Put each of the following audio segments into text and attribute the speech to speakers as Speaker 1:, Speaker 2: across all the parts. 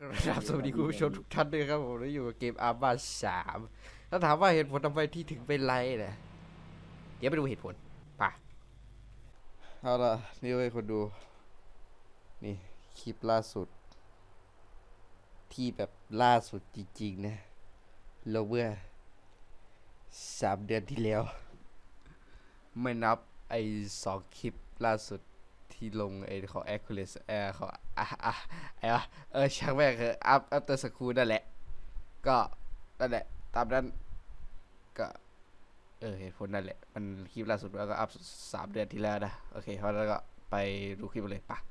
Speaker 1: ครับสวัสดีคุณผู้ชมทุกท่านด้วยครับผมได้อยู่กับเกมอาร์มา3ถ้าถามว่าเหตุผลทำไมที่ถึงเป็นไรเนี่ยเดี๋ยวไปดูเหตุผลป่ะเอาล่ะนี่ให้คนดูนี่คลิปล่าสุดที่แบบล่าสุดจริงๆนะลงเมื่อ3 เดือนที่แล้วไม่นับไอ้2 คลิปล่าสุดที่ลงไอ้ของ Hercules ของไอ้ช่างแม่งคืออัพเตอร์สคูลนั่นแหละก็นั่นแหละตามนั้นก็เหตุผลนั่นแหละมันคลิปล่าสุดแล้วก็อัพ3 เดือนที่แล้วนะโอเคเพราะแล้วก็ไปดูคลิปเลยป่ะ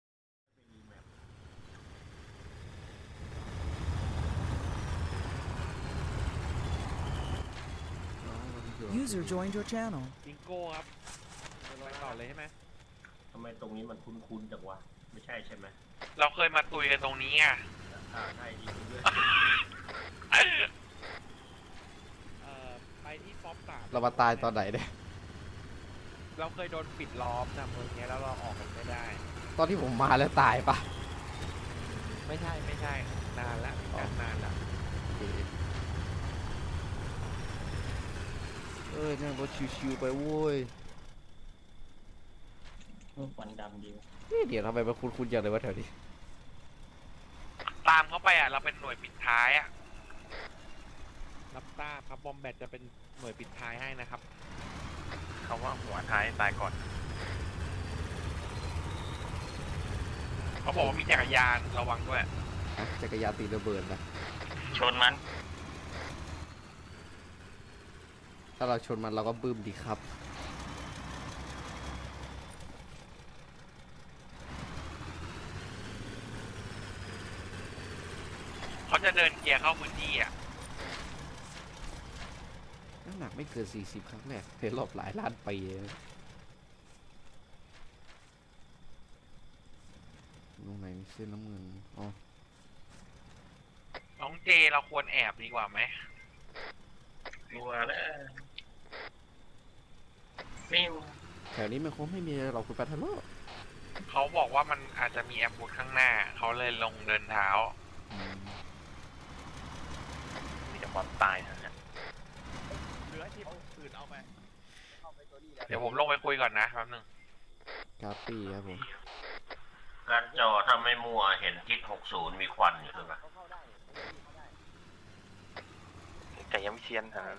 Speaker 2: User joined your channel.
Speaker 3: บิงโก้ครับไปต่อเลยใช่ไหม
Speaker 4: ทำไมตรงนี้มันคุ้นๆจังวะไม่ใช่ใช่ไหม
Speaker 5: เราเคยมาตุยกันตรงนี้อ่ะ
Speaker 4: ใช่จริงด้วย
Speaker 3: ไปที่ป๊อปสาม
Speaker 1: เรามาตายตอนไหนเนี่ย
Speaker 3: เราเคยโดนปิดล้อมนะเมืองนี้แล้วเราออกกันไม่ได้
Speaker 1: ตอนที่ผมมาแล้วตายปะ
Speaker 3: ไม่ใช่นานละกันนานละ
Speaker 1: นั่งรถชิวๆไปโว้ย
Speaker 4: ควันดำดี
Speaker 1: เดี๋ยวทำไมมันคุ้นๆอย่างเลยวะแถวนี้
Speaker 5: ตามเขาไปอ่ะ เราเป็นหน่วยปิดท้ายอ่ะ
Speaker 3: รับทราบครับบอมแบทจะเป็นหน่วยปิดท้ายให้นะครับ
Speaker 5: เขาว่าหัวท้ายตายก่อน เขาบอกว่ามีจักรยานระวังด้วย
Speaker 1: จักรยานตีระเบิดนะ
Speaker 5: ชนมัน
Speaker 1: ถ้าเราชนมันเราก็บึ้มดีครับ
Speaker 5: เขาจะเดินเกียร์เข้าพื้นที่อ่ะ
Speaker 1: น้ำหนักไม่เกิน40 ครั้งแรกในรอบหลายล้านปีตรงไหนมีเส้นน้ำเงินอ๋อ
Speaker 5: น้องเจเราควรแอบดีกว่าไหม
Speaker 4: กลัวแล้วฟิว
Speaker 1: แถวนี้มันคงไม่มีอะไรหรอกคุณปัทโล
Speaker 5: เขาบอกว่ามันอาจจะมีแอมบูสข้างหน้า เขาเลยลงเดินเท้า มีแต่ความตายนะเนี่ย
Speaker 3: เหลือที่อื่นเอาไป
Speaker 5: เดี๋ยวผมลงไปคุยก่อนนะแป๊บนึง
Speaker 1: กาปี้ครับผม
Speaker 4: การจอถ้าไม่มัวเห็นทิศ60มีควันอยู่ใช่ไหม
Speaker 5: แต่ยังไม่เชียนหาเลย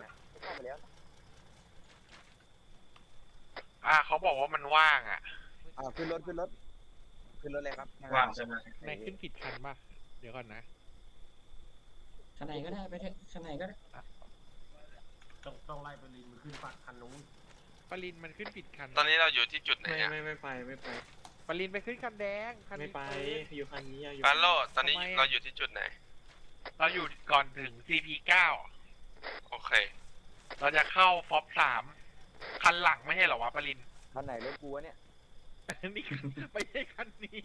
Speaker 5: เขาบอกว่ามันว่างอ่ะ
Speaker 6: ขึ้นรถเลยครับ
Speaker 4: ว่างใช่ไหม
Speaker 3: ในขึ้นผิดคันป่ะ เดี๋ยวก่อนนะ
Speaker 7: ข้างในก็ได้ไปเถอะข้างในก็ได้
Speaker 4: ต้องไล่ไปลินมันขึ้นฝั่งคันนู้น
Speaker 3: ปรินมันขึ้นผิดคัน
Speaker 5: ตอนนี้เราอยู่ที่จุดไหนอ่ะ
Speaker 7: ไม่ไปไม่ไป
Speaker 3: ปรินไปขึ้นคันแดงคัน
Speaker 7: ไม่
Speaker 3: นี้
Speaker 7: ไปอยู่คันนี้อยู่
Speaker 5: ปาโลตอนนี้เราอยู่ที่จุดไหน เราอยู่ก่อนถึง CP9 โอเค เราจะเข้าฟอป3คันหลังไม่ใช่เหรอวะปริน
Speaker 6: คันไหนรถกูวะเนี่ย
Speaker 3: นี่ไม่ใช่คันนี้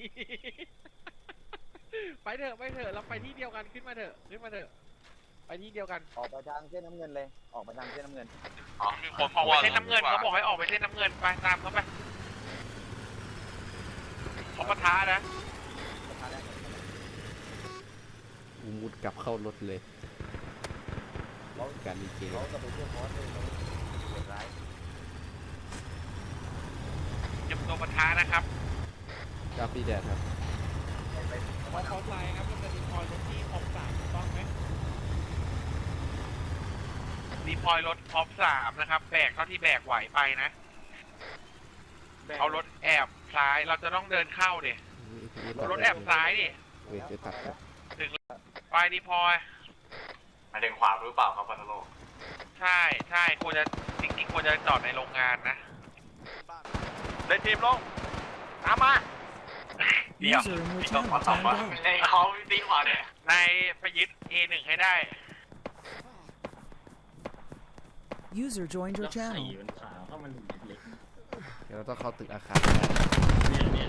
Speaker 3: ไปเถอะเราไปที่เดียวกันขึ้นมาเถอะไปที่เดียวกัน
Speaker 6: ออกไปทางเส้นน้ำเงินเลย ออกไปทางเส้นน้ำเงิน
Speaker 5: มีคนออกไปเส้นน้ำเงินเขาบอกให้ออกไปเส้นน้ำเงินไปตามเขาไปเขาปะทะนะ
Speaker 1: มุดกลับเข้ารถเลยการดีเจ
Speaker 6: เขาจะไปเที่ยวคอร์สเลยเขาเดือดร้าย
Speaker 5: เก็บตัวปะทะนะครับ
Speaker 1: กาปี้แดดครับ
Speaker 3: พอไลน์ครับมันจะมีพอยรถที่คอม3ถูกต้องไหม
Speaker 5: รีพอยรถพอป3นะครับ แบกเท่าที่แบกไหวไปนะ เอารถแอบซ้ายเราจะต้องเดินเข้าดิรถแอบซ้ายดิ
Speaker 1: เวทจะตัดครับ
Speaker 5: ไปรีพอยมาเดินขวาหรือเปล่าครับพัทโลใช่ควรจะจริงๆควรจะจอดในโรงงานนะได้ทีมลงตามมา
Speaker 2: User in your channel timed out.
Speaker 5: ในเขาตีขวาเนี่ยในไปยึด A1 ให้ได้
Speaker 2: User joined
Speaker 7: แล้
Speaker 2: your
Speaker 7: วไข่
Speaker 2: channel.
Speaker 7: มันขาวเข้ามันเล็ก
Speaker 1: เดี๋ยวเราต้องเข้าตึกอาคาร
Speaker 7: เนี่ย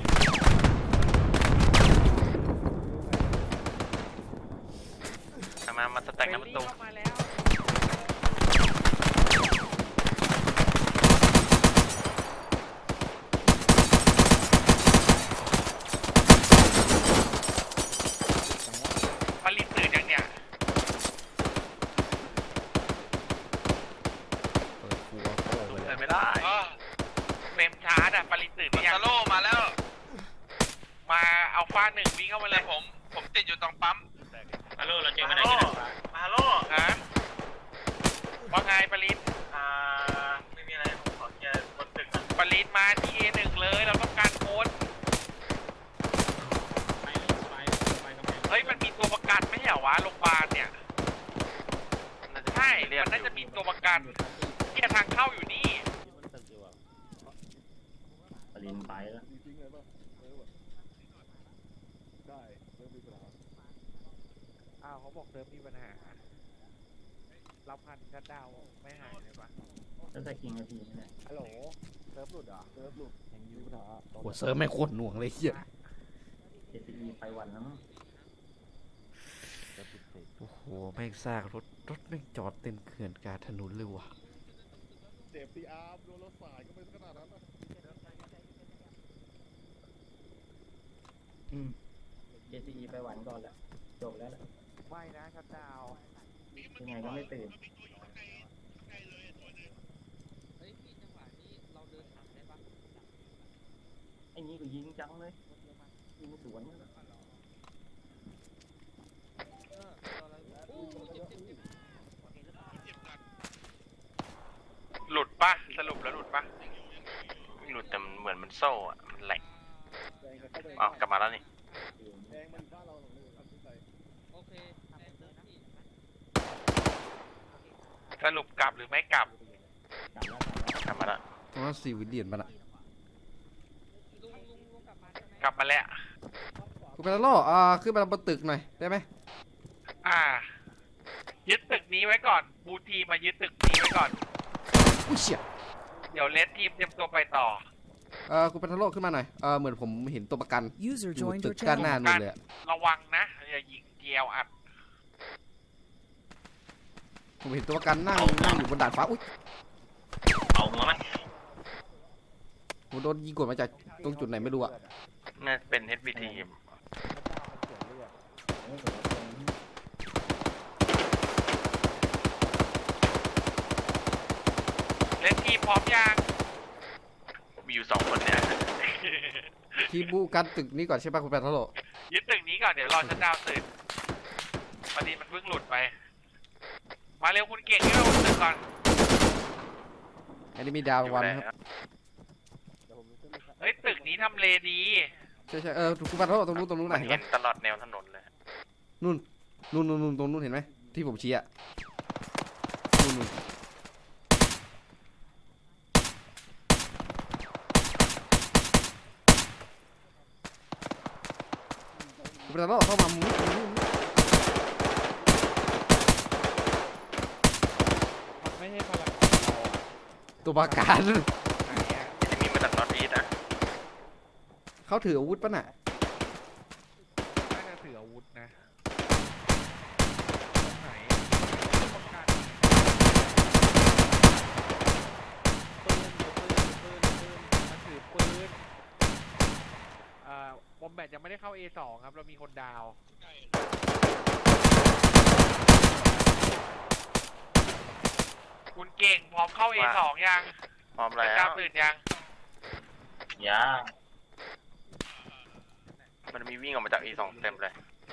Speaker 5: มาสแต็กน้ำประตู
Speaker 3: เข้ามาแล้ว
Speaker 5: เลยผมติดอยู่ตรงปั๊ม
Speaker 4: ฮัลโหลเราเจอกันไหนกันฮัลโหล
Speaker 5: ฮะว่าไงปริน
Speaker 4: ไม่มีอะไรผมขอแค่บนตึก
Speaker 5: ปรินมาที่ A1 เลยเราต้องการโค้ดเฮ้ยมันมีตัวประกันไม่ใช่เหรอวะโรงพยาบาลเนี่ยใช่มันน่าจะมีตัวประกันที่ทางเข้าอยู่นี่
Speaker 7: ปรินไปแล้ว
Speaker 3: อ้าวเขาบอกเซิร์ฟมีปัญหารับพันชัดดาวไม่หายเลยปะ
Speaker 7: แล้วแต่คิงนาทีนี่แหละ
Speaker 3: ฮัลโหลเซิร์ฟหลุดเหรอเซิร์ฟหลุดยังอยู่เหรอ
Speaker 1: โหเซิร์ฟไม่โคตรหน่วงเลยเฮีย
Speaker 7: KCE ไปวันแล้วมั้ง
Speaker 1: โอ้โหแม่งซากรถแม่งจอดเต็มเขื่อนกลางถนนเลยว่ะ
Speaker 8: เจ็บตีอาร์มโดนรถสายก็เป็นขนาดนั้นนะ
Speaker 7: KCE ไปวันก่อนแหละจบแล้วแหละ
Speaker 3: ไม่นะชัดดาว
Speaker 7: ยังไงก็ไม่ตื่นไอ้นี่ก็ยิงจังเลยยิงสวนเลย
Speaker 5: หลุดปะสรุปแล้วหลุดปะ
Speaker 4: ไม่หลุดแต่มันเหมือนมันโซ่อะมันแหลกอ๋อกลับมาแล้วนี่
Speaker 8: แดงมันบ้านเราหรอกเลยทำที่ใจ
Speaker 5: สรุปกลับหรือไม่กลับ
Speaker 4: กลับมาแล้ว
Speaker 1: ตรงนั้นซีวิลเลียนมันอะ
Speaker 5: กลับมาแล้ว
Speaker 1: คุณเป็นโลขึ้นมาบนตึกหน่อยได้ไหม
Speaker 5: ยึดตึกนี้ไว้ก่อนบูทีมายึดตึกนี้ไว้ก่อน
Speaker 1: อุ้ยเชี่ย
Speaker 5: เดี๋ยวเลสทีมเตรียมตัวไปต่อ
Speaker 1: คุณเป็นโลขึ้นมาหน่อยเหมือนผมเห็นตัวประกัน
Speaker 2: User
Speaker 1: อยู่
Speaker 2: joined
Speaker 1: ตึ
Speaker 2: your
Speaker 1: กด้านหน้า
Speaker 2: channel.
Speaker 1: นู่นเลยอะ
Speaker 5: ระวังนะอย่ายิงเจียวอัด
Speaker 1: ผมเห็นตัวประกันนั่งอยู่บนดาดฟ้าอุ้ย
Speaker 4: เอาหัวไหม
Speaker 1: ผมโดนยิงกดมาจากตรงจุดไหนไม่รู้อะ
Speaker 4: น่าจะเป็น HBT
Speaker 5: เลสทีมพร้อมยัง
Speaker 4: มีอยู่2 คนเนี่ย
Speaker 1: ที่บูกันตึกนี้ก่อนใช่ปะคุณเป็นโล
Speaker 5: ยึดตึกนี้ก่อนเดี๋ยวรอชัดดาวน์ตื่นพอดีมันเพิ่งหลุดไป มาเร็วคุณเก่งที่เราตึกก่อน
Speaker 1: อันนี้มีดาววันครับ
Speaker 5: เฮ้ยตึกนี้ทำเลดี
Speaker 1: ใช่คุณเป็นโลตรงนู้น
Speaker 4: มั
Speaker 1: นะ
Speaker 4: น
Speaker 1: เห็น
Speaker 4: เห็
Speaker 1: ไหม
Speaker 4: นตลอดแนวถนนเลย
Speaker 1: นู่นตรงนู้นเห็นไหมที่ผมชี้อะนู่นคุณเป็นโลเข้ามามุ้ง
Speaker 3: มันไม่ใช่พลัง
Speaker 1: ตัวประกัน
Speaker 4: จะมีมาจากนอตอีสต์นะ
Speaker 1: เขาถืออาวุธปะน่ะ
Speaker 3: น่าจะถืออาวุธนะตรงไหนตัวประกันปืนมันถือปืนบอมแบทยังไม่ได้เข้า A2 ครับเรามีคนดาว
Speaker 5: คุณเก่งพร้อมเข้า A2 ยัง
Speaker 4: พร้อม
Speaker 5: ชั
Speaker 4: แล้
Speaker 5: ดดาว วน์ตื่นยัง
Speaker 4: มันมีวิ่งออกมาจาก E2 เต็มเลย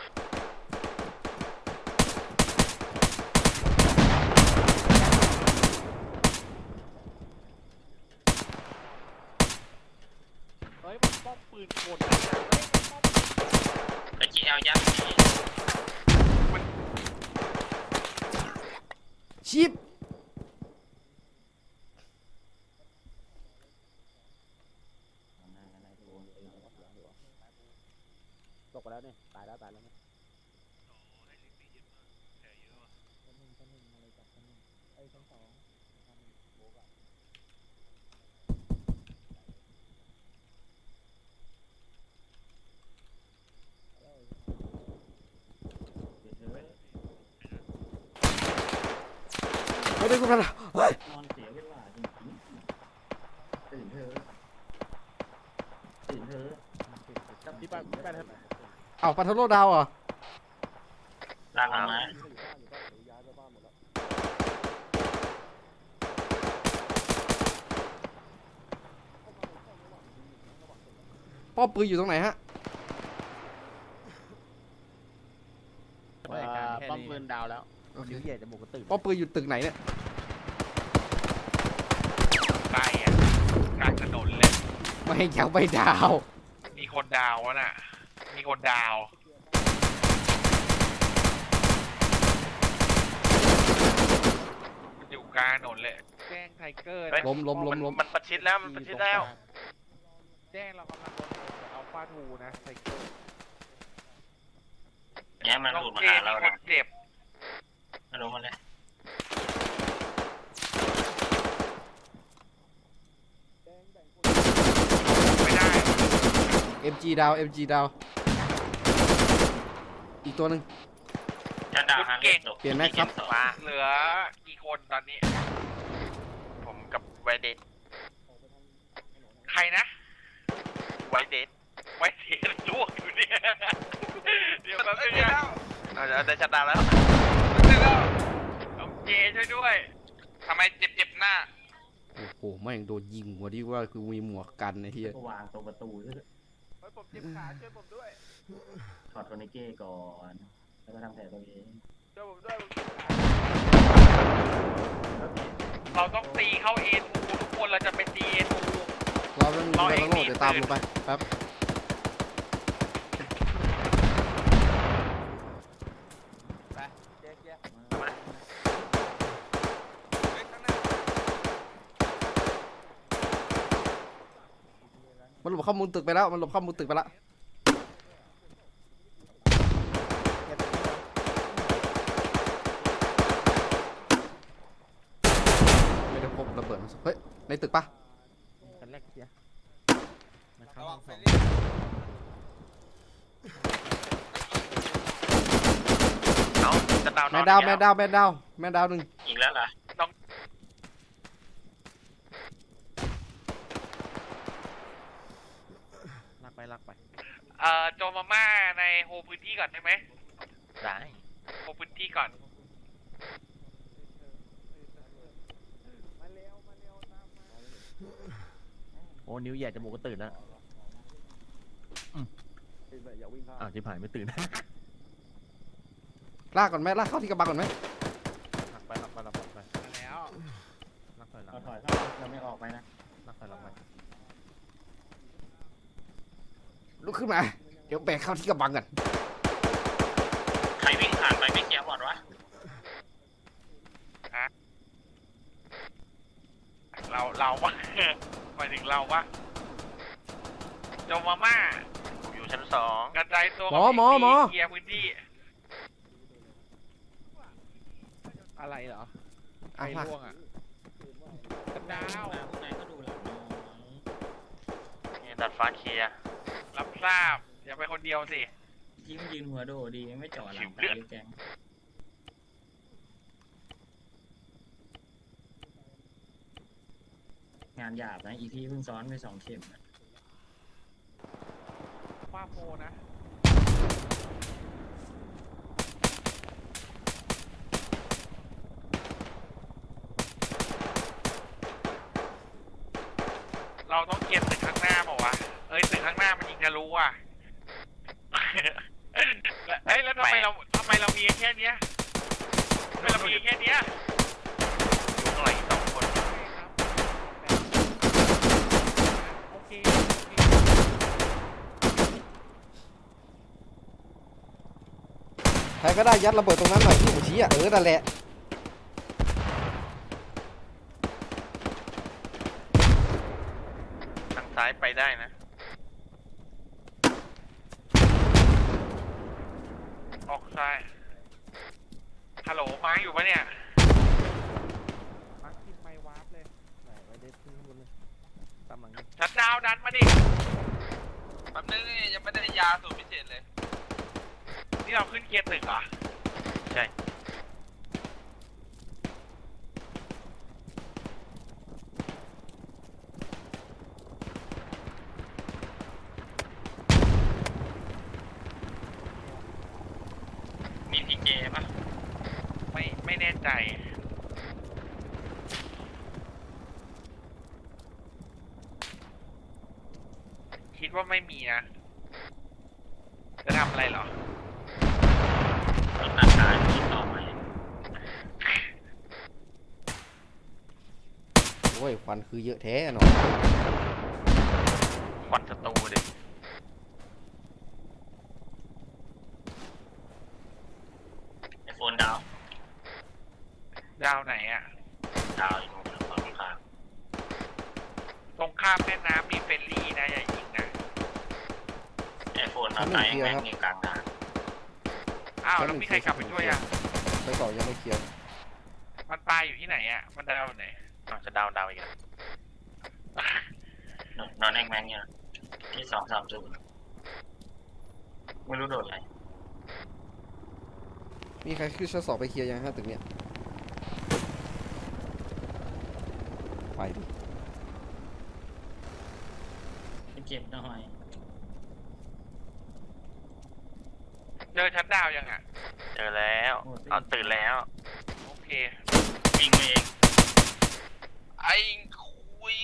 Speaker 3: เฮ้ยมันป้อมปืนกล
Speaker 4: ไอ้ GL ยักษ์
Speaker 1: ชิป
Speaker 6: ตกไปแล้วเนี่ยตายแล้วเนี่ย
Speaker 1: ไม่ได้คุณเป็นโลเฮ้ย
Speaker 7: นอนเสียเวลาจริงๆตื่นเถอะ
Speaker 3: ที่บ้านครับ
Speaker 1: เอาปัทโลดาวเหรอ
Speaker 4: ลากมาไหม
Speaker 1: ป้อมปืนอยู่ตรงไหนฮะ
Speaker 6: ป้อมปืนดาวแล้ว
Speaker 1: โอเค
Speaker 6: นิ้วใหญ่จมูกก็ตื่น
Speaker 1: ป้อมปืนอยู่ตึกไหนเนี่ย
Speaker 5: ใกล้อะกลางถนนเลย
Speaker 1: ไม่ยังไม่ดาว
Speaker 5: มีคนดาวน่ะ มีคนดาวมันอยู่กลางถนนเลย
Speaker 3: แจ้งไทเกอร์
Speaker 4: เฮ้ย
Speaker 1: ล้ม
Speaker 4: มันประชิดแล้วมันประชิดแล้ว
Speaker 3: แจ้งเรากำลังโดนอัลฟาทูนะไทเกอร์
Speaker 4: เนี่ยมัน
Speaker 5: น้อง
Speaker 4: หลุดมา
Speaker 5: เจ
Speaker 4: หา
Speaker 5: มี
Speaker 4: เรา
Speaker 5: คนเจ็บ
Speaker 4: มาลงมาเลย
Speaker 5: ไม่ได้
Speaker 1: MG ดาว MG ดาว อีกตัวหนึ่ง
Speaker 4: จะดาวฮาร์ดเรทตก
Speaker 1: เปลี่ยนแม็กครับ
Speaker 5: มาเหลือกี่คนตอนนี้
Speaker 4: ผมกับไวเดท
Speaker 5: ใครนะ
Speaker 4: ไวเดท
Speaker 5: ไว้เสียลวกอยู่เนี่ย เดี๋ยวแป๊บนึงนะ
Speaker 4: เราจะชัดดาวแล้ว
Speaker 5: น้องเจช่วยด้วยทำไมเจ็บหน้า
Speaker 1: โอ้โหแม่งโดนยิงหัวที่ว่าคือมีหมวกกันไอ้เหี้ย
Speaker 6: ก็วางตรงประตูด้วย
Speaker 3: เฮ้ยผมเจ็บขาช่วยผมด้วย
Speaker 6: ถอดโทนิเก้ก่อนแล้วก็ทำแผลตัวเอง
Speaker 3: ช่วยผมด้วยผมเจ็บขา
Speaker 5: เราต้องตีเข้าเอทูทุกคนเราจะไปตีเอทู
Speaker 1: เราเรื่อง
Speaker 5: รอ
Speaker 1: เรื่องโล
Speaker 5: เอ็
Speaker 1: ด
Speaker 5: กซ์
Speaker 1: เดี๋ยวตามลงไปแป๊บ
Speaker 3: เจ๊เจ๊
Speaker 1: มันหลบเข้ามุมตึกไปแล้ว มันหลบเข้ามุมตึกไปแล้วไม่ได้พบระเบิดมันเฮ้ย ในตึกปะ
Speaker 6: กันแรกเสียมันเข้าห้องสอง
Speaker 4: เอาจะดาว
Speaker 1: แม่ดาวแม่ดาวแม่ดาวแม่ดาวหนึ่ง
Speaker 4: อีกแล้วเหรอ
Speaker 6: ลากไป
Speaker 5: โจมาม่าในโฮพื้นที่ก่อนได้ไหม
Speaker 4: ได้
Speaker 5: โฮพื้นที่ก่อน
Speaker 3: มาเร็วตามมา
Speaker 6: โอ้นิ้วใหญ่จมูกก็ตื่นแล้วอ้าวจิ๋หายไม่ตื่น
Speaker 1: ลากก่อนไหมลากเข้าที่กระบังก่อนไหม
Speaker 6: ลักไป
Speaker 3: มาแล้ว
Speaker 6: ลักถอยเราไม่ออกไปนะลักถอยหลังไป
Speaker 1: ลุกขึ้นมา เดี๋ยวแบกเข้าที่กระบังกัน
Speaker 4: ใครวิ่งผ่านไปไม่เคลียร์บอดวะ
Speaker 5: เราวะ หมายถึงเราวะโจมาม่า
Speaker 4: ผมอยู่ชั้น 2
Speaker 5: กระจายตัว
Speaker 1: หมอหมอหมอ
Speaker 5: เคลียร์พื้นที่
Speaker 3: อะไรเหรอ
Speaker 1: อ่ะ
Speaker 3: ไอ้
Speaker 1: ลาก
Speaker 3: ร่วงอ่ะกระดาว
Speaker 7: ข้างในก็ดูหลังน้อง
Speaker 4: เนี่ยดัดฟ้าเคลียร์
Speaker 5: รับทราบ อย่าไปคนเดียวสิ
Speaker 7: ที่มันยืนหัวโดดดีไม่เจาะหลังไปเลยแกงงานหยาบนะอีที่เพิ่งซ้อนไป2 เข็มอะ
Speaker 3: ฟ้าโฟนะ
Speaker 5: เราต้องเคลียร์ตึกข้างหน้าเปล่าวะ เอ้ยตึกข้างหน้ามันยิงทะลุอ่ะ เอ้ยแล้วทำไมเรามีแค่เนี้ยทำไมเรามีแค่เนี้ย
Speaker 4: อยู่ข้างหลังอีก2 คน
Speaker 3: โอเค
Speaker 1: ใครก็ได้ยัดระเบิดตรงนั้นหน่อยที่ผมชี้อ่ะนั่นแหละ
Speaker 4: ทางซ้ายไปได้นะ
Speaker 5: ออกซ้าย ฮัลโหลมาอยู่ปะเนี่ย
Speaker 3: มาร์คทิมไมวาร์ปเลยไหนไว้เด็ดขึ้นข้างบนเลยตามหลังนี่
Speaker 5: ชัดดาวน์ดันมาดิ
Speaker 4: แป๊บนึงยังไม่ได้ยาสูตรพิเศษเลย
Speaker 5: นี่เราขึ้นเคลียร์ตึกเหรอ
Speaker 4: ใช่ มีพีเจป่ะ
Speaker 5: ไม่แน่ใจ คิดว่าไม่มีนะ จะทำอะไรเหรอ
Speaker 4: รถตัดสาย
Speaker 1: อ้ยควันคือเยอะแท้เนาะ
Speaker 4: ควันศัตรูดิ
Speaker 6: ไอโฟนดาว
Speaker 5: ดาวไหนอ่ะ
Speaker 6: ดาวอยู่ตรงฝั่งข้าง
Speaker 5: ตรงข้ามแม่น้ำมีเฟรนลี่นะอย่ายิงนะ
Speaker 6: ไอโฟนเอาไหนแม่งอยู่กลางทาง
Speaker 5: อ้าวแล้วมีใครกลับไปช่วยอ่ะ
Speaker 1: ไปต่อยังไม่เคลียร์
Speaker 5: มันตายอยู่ที่ไหนอ่ะมันดาวไหน
Speaker 4: อ้าวจะดาวอีกแล้ว
Speaker 6: นอนแองแมงเนี่ยที่230ไม่รู้โดนอะไร
Speaker 1: มีใครขึ้นชั้น2ไปเคลียร์ยังฮะตึกเนี้ยไปดิ
Speaker 6: ไปเก็บหน่อย
Speaker 5: เจอชั้นดาวยังอ่ะ
Speaker 4: เจอแล้วเอาตื่นแล้ว
Speaker 5: โอเค
Speaker 6: ยิงไปเอง
Speaker 5: ไอ้คุย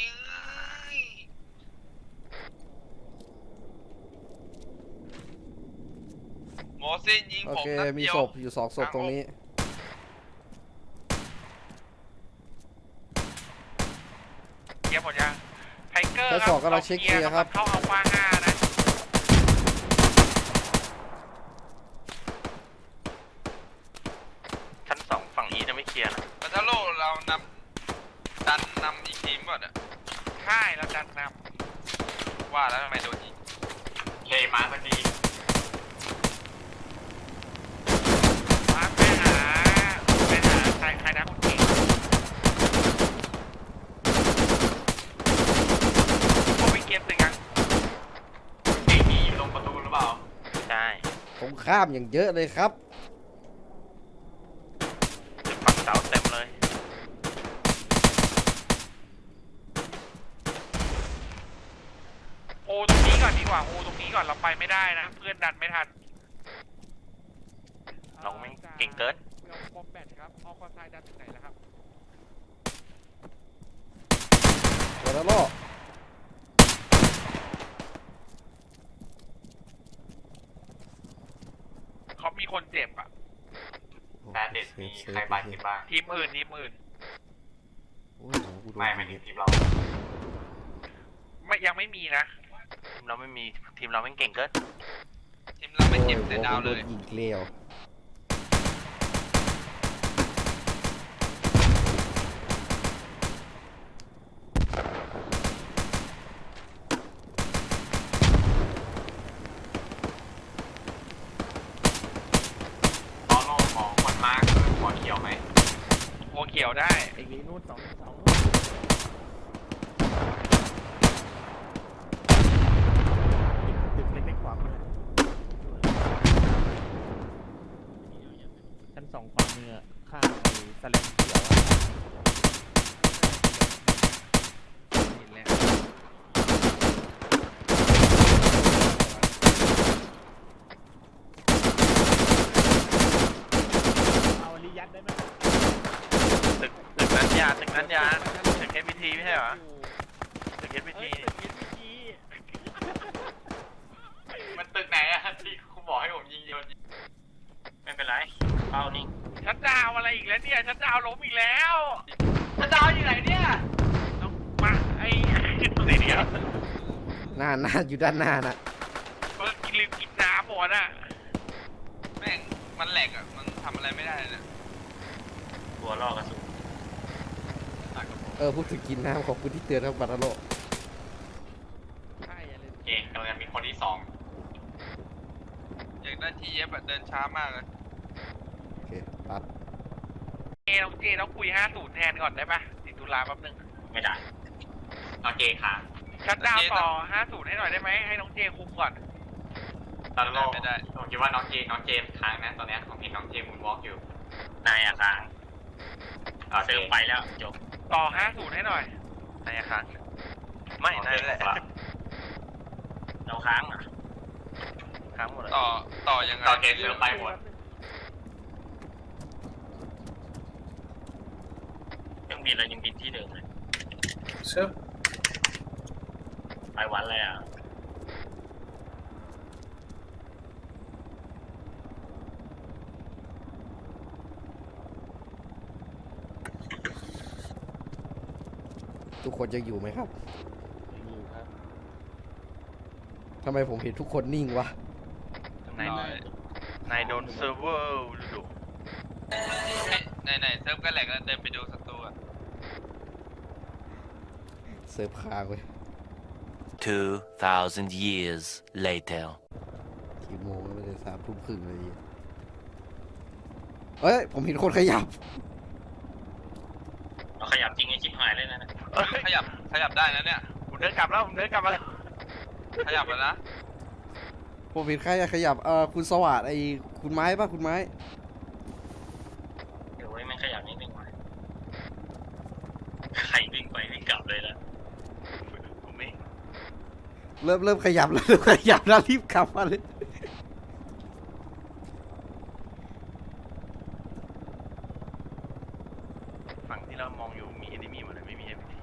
Speaker 9: หมอสิ้นยิง
Speaker 1: โอ
Speaker 9: ผม
Speaker 1: เค
Speaker 9: นัด
Speaker 1: มี
Speaker 9: เดียว
Speaker 1: ศพอยู่2ศพตรงนี้
Speaker 5: เคลียร์หมดยังไทเกอร์
Speaker 1: ชั้นสองกำลังเช็คเคลียร์ครับ
Speaker 5: เข้าอัลฟา5นะ
Speaker 4: ชั้น2ฝั่งอีจะไม่เคลียร์นะ
Speaker 9: ปัทโลเราดันนำอีกทีมก่อนอะ
Speaker 5: ใช่แล้วดันน
Speaker 9: ว่าแล้วทำไมโดนยิง
Speaker 6: เลยมาพอดี
Speaker 5: ำมาไปหาใครนะคุณเก่งเขาไปเกมตึกยัง
Speaker 6: เก่งนี่อยู่ตรงประตูหรือเปล่า
Speaker 4: ใช่
Speaker 1: ตรงข้ามอย่างเยอะเลยครับ
Speaker 4: ฝั่งเสาเต็มเลย
Speaker 5: โอตรงนี้ก่อนดีกว่าโอตรงนี้ก่อนเราไปไม่ได้นะเพื่อนดันไม่ทัน
Speaker 4: เราไม่เก่งเกิน
Speaker 3: เมืองบอมแบทครับออคอไซด์ดันถึงไหนแล้วครับ
Speaker 1: เดี๋ยวแล้วล่อ
Speaker 5: เขามีคนเจ็บอ่ะ
Speaker 6: แบนเด็ดมีใครบาดเจ็บบ้าง
Speaker 5: ทีมอื่น
Speaker 1: โอ้ยโหกูโดน
Speaker 6: ไม่
Speaker 1: ยิง
Speaker 6: ถึงทีมเรา
Speaker 5: ไม่ยังไม่มีนะ
Speaker 4: ทีมเราไม่มีทีมเราไม่เก่งเกิน
Speaker 9: ทีมเราไม่เจ็บ
Speaker 1: โอ้ย
Speaker 9: แต่ดาวเลย
Speaker 1: โนยิงเกลียว
Speaker 6: ตอนโลกของคนมากหัวเขียวไหม
Speaker 5: หัวเขียวได้
Speaker 3: ไอ้นี้นู่น2 ตึกเล็กๆขวามือชั้น2ขวามือข้างไอ้สแลมเขียวอะเห็นแล้ว เอาลิยัดได้ไหม
Speaker 4: ตึกนั้นยาตึกเอฟพีทีไม่ใช่เหรอตึกเอฟพีที
Speaker 6: มันตึกไหนอะที่คุณบอกให้ผมยิงโยนไม่เป็นไรเป้านิ่ง
Speaker 5: ชัดดาวอะไรอีกแล้วเนี่ยชัดดาวล้มอีกแล้ว
Speaker 6: ถ้าดาวอยู่ไหนเนี่ย
Speaker 5: ต้องมาไอ้สีเดียว
Speaker 1: หน้าอยู่ด้านหน้าน่ะ
Speaker 5: ลืมกินน้ำหมดอ่ะ
Speaker 9: แม่งมันแหลกอะมันทำอะไรไม่ได้เลยนะ
Speaker 6: ตัวล่อกระสุน
Speaker 1: พูดถึงกินน้ำขอบคุณที่เตือนครับบาร์โล
Speaker 3: ใช่อะไร
Speaker 6: เองกำลังมีคนที่2
Speaker 9: อยากได้ทีเอฟอะเดินช้ามากเลย
Speaker 1: โอเคตัด
Speaker 5: น้องเจต้องคุย50แทนก่อนได้ปะติดตุลาแป๊บนึง
Speaker 6: ไม่ได้เอาเกค้าง
Speaker 5: ชัดดาวต่อ50ให้หน่อยได้ไหมให้น้องเจคุมก่อน
Speaker 6: ตอนโลกผมคิดว่าน้องเจค้างนะตอนนี้ผมเห็นน้องเจมูนวอล์กอยู่นายอะค้างเติมไปแล้วจบ
Speaker 5: ต่อ50ให้หน่อย
Speaker 4: นายค้างไม่นายแหละ
Speaker 6: เราค้างอ่ะ
Speaker 4: ค้างหมดเลย
Speaker 9: ต่อยังไง
Speaker 6: ต่อเกเติมไปหมดยังบินเลยยังบินที่เดิมเลยไปวันเลยอ่ะ
Speaker 1: ทุกคนยังอยู่ไหมครับทำไมผมเห็นทุกคนนิ่งวะ
Speaker 4: นายโดนเซิร์ฟเวอร์ดู
Speaker 9: ไหนเซิร์ฟก็แหลกแล้วเดินไปดูศัตรูอะ
Speaker 1: เซิร์ฟค้างเว้ย
Speaker 10: 2,000 years later.
Speaker 1: กี่โมงแล้วไม่ได้3 ทุ่มครึ่งเลยเอ้ยผมเห็นคนขยับ
Speaker 6: เราขยับจริงไอ้ชิบหายเลยนะ
Speaker 9: ขยับได้นะเนี่ย
Speaker 5: ผมเดินกลับแล้วผมเดินกลับมาแล้ว
Speaker 9: ขยับแล้วนะ
Speaker 1: ผมเห็นใครขยับคุณสวัสดิ์ไอ้คุณไม้ป่ะคุณไม้
Speaker 6: เดี๋ยวไว้มันขยับนิดนึงไว้ใครวิ่งไปวิ่งกลับเลยนะ
Speaker 5: ผมเอง
Speaker 1: เริ่มขยับแล้วเริ่มขยับแล้วรีบกลับมาเลย
Speaker 5: ฝั่งที่เรามองอยู่มีเอนิมี่หมดเลยไม่มีเอนิมี่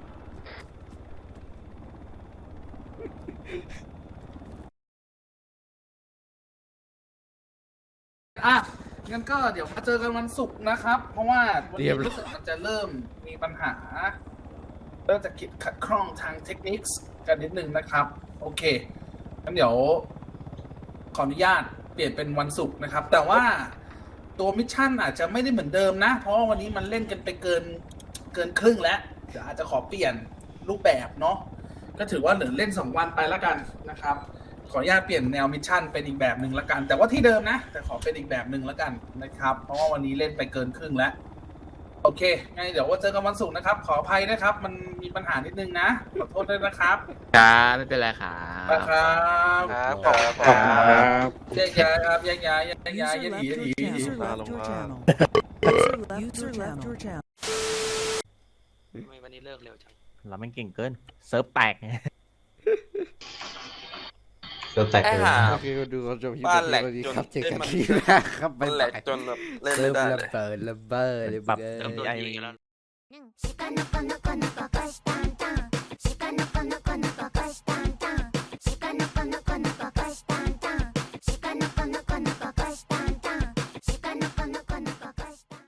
Speaker 3: งั้นก็เดี๋ยวมาเจอกันวันศุกร์นะครับ เพราะว่าวันนี้รู้สึกมันจะเริ่มมีปัญหา เริ่มจะขัดข้องทางเทคนิคกันนิดนึงนะครับ โอเคงั้นเดี๋ยวขออนุญาตเปลี่ยนเป็นวันศุกร์นะครับ แต่ว่าตัวมิชชั่นอาจจะไม่ได้เหมือนเดิมนะ เพราะว่าวันนี้มันเล่นกันไปเกินครึ่งแล้วเดี๋ยวอาจจะขอเปลี่ยนรูปแบบเนาะก็ถือว่าเหลือเล่น2 วันไปแล้วกันนะครับ ขออนุญาตเปลี่ยนแนวมิชชั่นเป็นอีกแบบหนึ่งแล้วกัน แต่ว่าที่เดิมนะแต่ขอเป็นอีกแบบหนึ่งแล้วกันนะครับ เพราะว่าวันนี้เล่นไปเกินครึ่งแล้วโอเคงั้นเดี๋ยวว่าเจอกันวันศุกร์นะครับขออภัยนะครับ มันมีปัญหานิดนึงนะขอโทษด้วยนะครับ
Speaker 7: ครับไม่เป็นไรครับ
Speaker 3: ครับ
Speaker 5: ครับ
Speaker 3: แยกย้ายครับแยกย้ายแยกย้าย
Speaker 2: User
Speaker 3: แยก
Speaker 2: left
Speaker 3: หนี
Speaker 2: your
Speaker 3: หนี
Speaker 2: channel. User left your channel. User left your channel.
Speaker 9: ทำไมวันนี้เลิกเร็วจัง
Speaker 7: เราไม่เก่งเกินเซิร์ฟแตก
Speaker 6: เริ่มแตกเลย
Speaker 1: โอเคก็ดูเขาจบคลิปนี้สวัสดีครับเจอกันที่หน้าครับบ๊ายบาย
Speaker 9: จนแบบเล่น
Speaker 1: เริ่
Speaker 9: ไม่
Speaker 1: ม
Speaker 9: ได้
Speaker 1: ระเบิดเลย
Speaker 7: ปรับ
Speaker 1: เบิด
Speaker 7: MDI
Speaker 10: 鹿の子の子の子がしたんたん